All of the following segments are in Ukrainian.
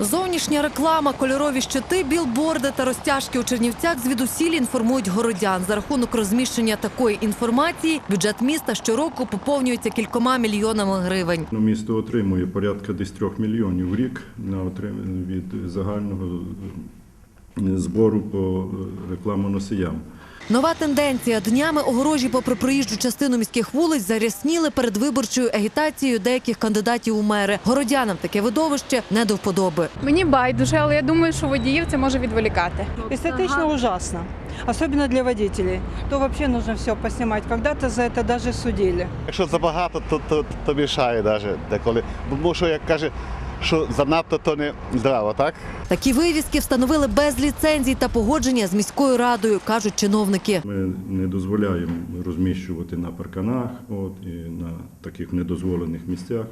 Зовнішня реклама, кольорові щити, білборди та розтяжки у Чернівцях звідусіль інформують городян. За рахунок розміщення такої інформації бюджет міста щороку поповнюється кількома мільйонами гривень. Місто отримує порядка десь 3 мільйонів в рік від загального збору по рекламоносіям. Нова тенденція. Днями огорожі попри проїжджу частину міських вулиць зарясніли передвиборчою агітацією деяких кандидатів у мери. Городянам таке видовище не до вподоби. Мені байдуже, але я думаю, що водіїв це може відволікати. Эстетично ужасно, особенно для водителей. То вообще нужно все поснимать. Когда-то за это даже судили. Якщо забагато, то мішає навіть деколи. Бо що, як каже, що занадто, то не здраво, так? Такі вивіски встановили без ліцензій та погодження з міською радою, кажуть чиновники. Ми не дозволяємо розміщувати на парканах і на таких недозволених місцях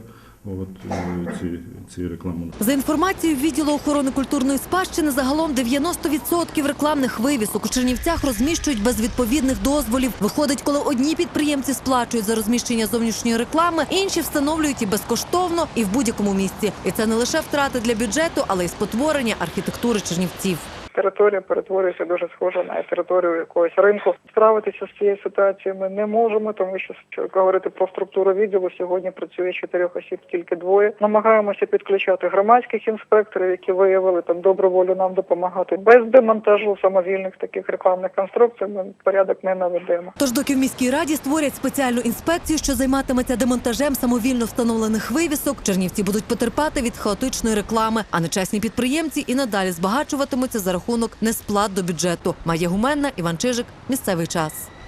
ці реклами. За інформацією відділу охорони культурної спадщини, загалом 90% рекламних вивісок у Чернівцях розміщують без відповідних дозволів. Виходить, коли одні підприємці сплачують за розміщення зовнішньої реклами, інші встановлюють і безкоштовно, і в будь-якому місці. І це не лише втрати для бюджету, але й спотворення архітектури Чернівців. Територія перетворюється дуже схоже на територію якогось ринку. Справитися з цією ситуацією ми не можемо, тому що, говорити про структуру відділу, сьогодні працює 4 осіб, тільки 2. Намагаємося підключати громадських інспекторів, які виявили там добру волю нам допомагати. Без демонтажу самовільних таких рекламних конструкцій ми порядок не наведемо. Тож доки в міській раді створять спеціальну інспекцію, що займатиметься демонтажем самовільно встановлених вивісок, чернівці будуть потерпати від хаотичної реклами, а нечесні підприємці і надалі збагачуватимуться за рахунок несплат до бюджету. Майя Гуменна, Іван Чижик. Місцевий час.